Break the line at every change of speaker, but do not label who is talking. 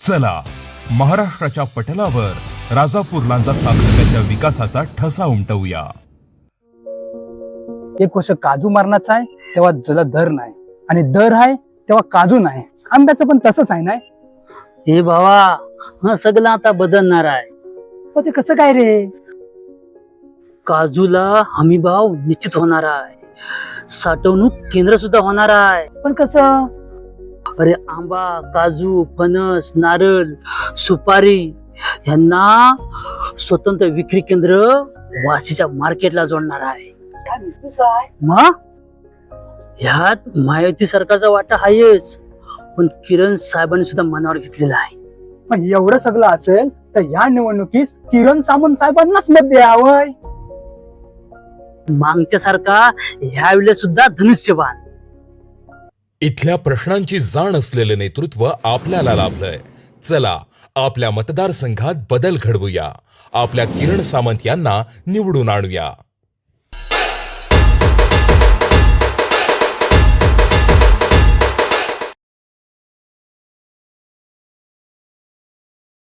चला महाराष्ट्राच्या पटलावर राजापूर लांजा तालुक्याच्या विकासाचा ठसा उमटवूया.
एक वर्ष काजू मारण्याचा आहे तेव्हा जला दर नाही, आणि दर आहे तेव्हा काजू नाही. आंब्याचं पण तसंच आहे ना.
हे भावा, हा सगळं आता बदलणार आहे.
पण ते कसं काय रे?
काजूला हमी भाव निश्चित होणार आहे. साठवणूक केंद्र सुद्धा होणार आहे.
पण कसं?
अरे आंबा, काजू, फणस, नारळ, सुपारी यांना स्वतंत्र विक्री केंद्र वाशीच्या मार्केटला जोडणार आहे. मग ह्यात महायुती सरकारचा वाटा आहेच, पण किरण साहेबांनी सुद्धा मनावर घेतलेला आहे.
पण एवढं सगळं असेल तर या निवडणुकीस किरण सामंत साहेबांनाच मत द्यावं.
मागच्या सारखा ह्या वेळेस सुद्धा धनुष्यबाण.
इथल्या प्रश्नांची जाण असलेले नेतृत्व आपल्याला लाभलंय. चला आपल्या मतदारसंघात बदल घडवूया. आपल्या किरण सामंत यांना निवडून आणूया.